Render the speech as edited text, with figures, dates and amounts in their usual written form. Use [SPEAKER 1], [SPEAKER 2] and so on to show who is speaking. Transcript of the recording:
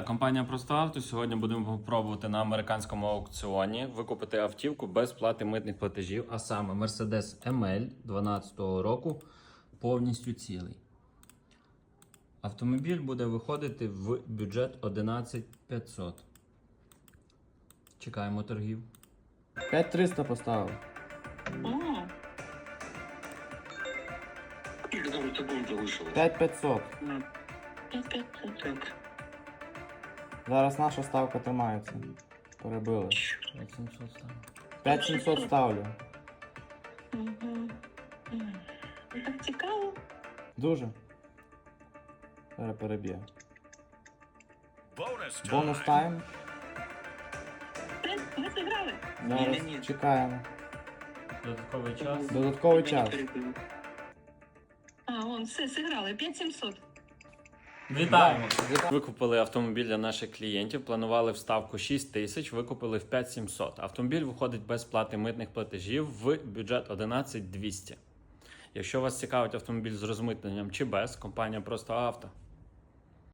[SPEAKER 1] компанія Просто Авто. Сьогодні будемо пробувати на американському аукціоні викупити автівку без плати митних платежів, а саме Mercedes ML 2012 року, повністю цілий. Автомобіль буде виходити в бюджет 11500. Чекаємо торгів.
[SPEAKER 2] 5300 поставив.
[SPEAKER 3] И когда вот таком залишилось?
[SPEAKER 2] 5500.
[SPEAKER 3] 5-5.
[SPEAKER 2] Зараз наша ставка тримається. Перебили.
[SPEAKER 1] 5700 стане.
[SPEAKER 2] 5700 ставлю.
[SPEAKER 4] Так цікаво.
[SPEAKER 2] Дуже. Зараз переб'є. Бонус тайм.
[SPEAKER 4] Ми зіграли.
[SPEAKER 2] Зараз
[SPEAKER 3] Ні-ні-ні.
[SPEAKER 2] чекаємо.
[SPEAKER 1] Додатковий час.
[SPEAKER 2] Додатковий час.
[SPEAKER 4] А, вон, все, зіграли. 5700.
[SPEAKER 1] Вітаємо! Викупили автомобіль для наших клієнтів, планували вставку 6 тисяч, викупили в 5700. Автомобіль виходить без плати митних платежів в бюджет 11200. Якщо вас цікавить автомобіль з розмитненням чи без, компанія Просто Авто.